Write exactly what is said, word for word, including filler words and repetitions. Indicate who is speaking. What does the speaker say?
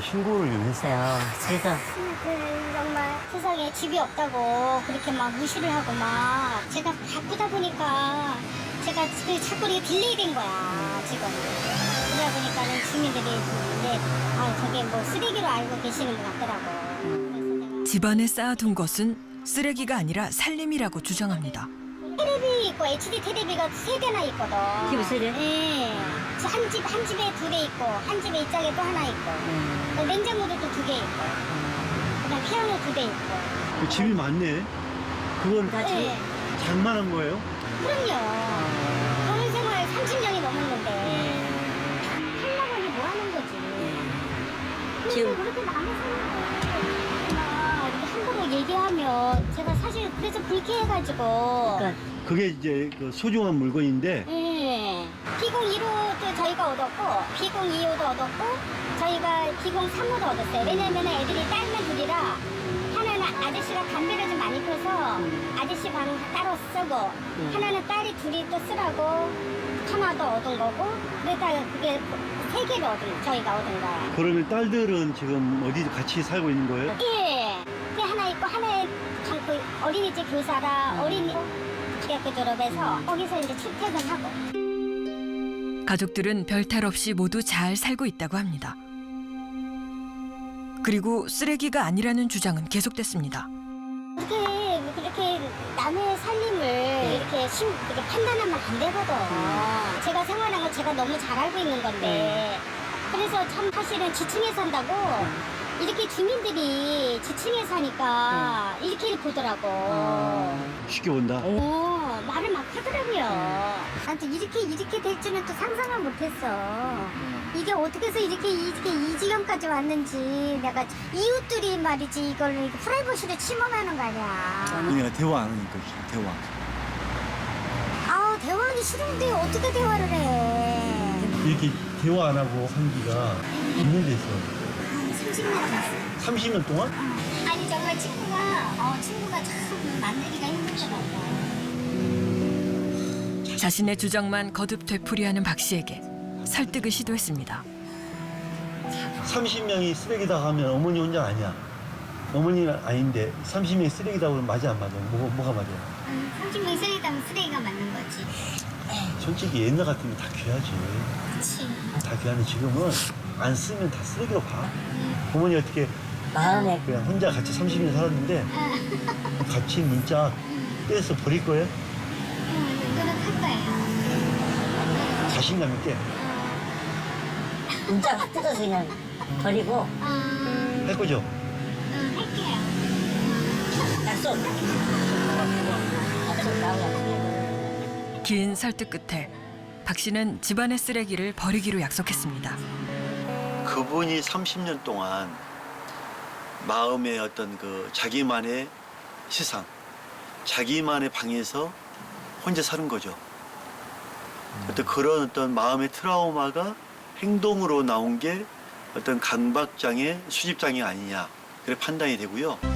Speaker 1: 신고를 좀 했어요. 그래서
Speaker 2: 그 정말 세상에 집이 없다고 그렇게 막 무시를 하고 막 제가 바쁘다 보니까 제가 그 자꾸 이게 딜레이 된 거야 지금. 그러다 보니까는 주민들이 이제 아 저게 뭐 쓰레기로 알고 계시는 것 같더라고. 그래서 내가
Speaker 3: 집안에 쌓아둔 것은 쓰레기가 아니라 살림이라고 주장합니다.
Speaker 2: 테레비 있고 에이치디 테레비가 세 대나 있거든.
Speaker 1: 집에 세 대?
Speaker 2: 네. 한 집, 한 집에 두 대 있고, 한 집에 이쪽에 또 하나 있고,
Speaker 1: 음.
Speaker 2: 냉장고도 또 두 개 있고, 그다음 피아노 두 대 있고.
Speaker 4: 그 집이 많네. 그건
Speaker 1: 다 집?
Speaker 2: 네.
Speaker 4: 장만한 거예요?
Speaker 2: 그럼요. 결혼 생활 삼십 년이 넘었는데, 하려고 하니 뭐 하는 거지. 근데
Speaker 1: 지금-
Speaker 2: 그렇게 남의 사는데, 막 이렇게 함부로 얘기하면, 제가 사실 그래서 불쾌해가지고,
Speaker 1: 그러니까
Speaker 4: 그게 이제 그 소중한 물건인데
Speaker 2: 예. 비공 일 호도 저희가 얻었고, 비공 이 호도 얻었고, 저희가 비공 삼 호도 얻었어요. 왜냐면 애들이 딸만 둘이라, 하나는 아저씨가 담배를 좀 많이 펴서 아저씨 방 따로 쓰고, 하나는 딸이 둘이 또 쓰라고 하나 더 얻은 거고, 그러다가 그게 세 개를 얻은, 저희가 얻은 거야.
Speaker 4: 그러면 딸들은 지금 어디 같이 살고 있는 거예요?
Speaker 2: 예. 그게 하나 있고, 하나에 그 어린이집 교사라 어린이 대학교 졸업해서 거기서 이제 출퇴근하고.
Speaker 3: 가족들은 별탈 없이 모두 잘 살고 있다고 합니다. 그리고 쓰레기가 아니라는 주장은 계속됐습니다.
Speaker 2: 그렇게 그렇게 남의 살림을 이렇게 심, 이렇게 판단하면 안 되거든. 제가 생활한 거 제가 너무 잘 알고 있는 건데. 그래서 참 사실은 지층에 산다고 이렇게 주민들이 지층에 사니까 이렇게 보더라고.
Speaker 4: 쉽게 본다.
Speaker 2: 어, 말을 막 하더라고요. 나도 이렇게 이렇게 될 줄은 또 상상을 못했어. 이게 어떻게 해서 이렇게 이렇게 이 지경까지 왔는지 내가 이웃들이 말이지 이걸 프라이버시를 침범하는 거 아니야.
Speaker 4: 그러니까 대화 안 하니까 대화.
Speaker 2: 아 대화하기 싫은데 어떻게 대화를 해?
Speaker 4: 이렇게 대화 안 하고 한 지가 몇 년 됐어?
Speaker 2: 삼십 년 됐어.
Speaker 4: 삼십 년 동안?
Speaker 2: 아니 정말 친구가 어 친구가 참 만나기가 힘들더라고.
Speaker 3: 자신의 주장만 거듭 되풀이하는 박 씨에게 설득을 시도했습니다.
Speaker 4: 삼십 명이 쓰레기다 하면 어머니 혼자 아니야. 어머니는 아닌데 삼십 명이 쓰레기다 그러면 맞아 안 맞아? 뭐가, 뭐가 맞아?
Speaker 2: 삼십 명 쓰레기다면 쓰레기가 맞는 거지.
Speaker 4: 솔직히 옛날 같으면 다 귀하지.
Speaker 2: 그치.
Speaker 4: 다 귀하는데 지금은 안 쓰면 다 쓰레기로 봐. 어머니 어떻게
Speaker 1: 마음에
Speaker 4: 그냥 혼자 같이 삼십 년 살았는데 같이 문자 떼서 버릴 거예요?
Speaker 2: 응, 노력할 거예요.
Speaker 4: 자신감 있게
Speaker 1: 문자 확 뜯어서 그냥 버리고
Speaker 2: 어,
Speaker 4: 할 거죠?
Speaker 2: 응, 할게요.
Speaker 1: 약속. 약속 나오고.
Speaker 3: 긴 설득 끝에 박 씨는 집안의 쓰레기를 버리기로 약속했습니다.
Speaker 4: 그분이 삼십 년 동안 마음의 어떤 그 자기만의 세상, 자기만의 방에서 혼자 사는 거죠. 어떤 그런 어떤 마음의 트라우마가 행동으로 나온 게 어떤 강박장애, 수집장애 아니냐 그렇게 판단이 되고요.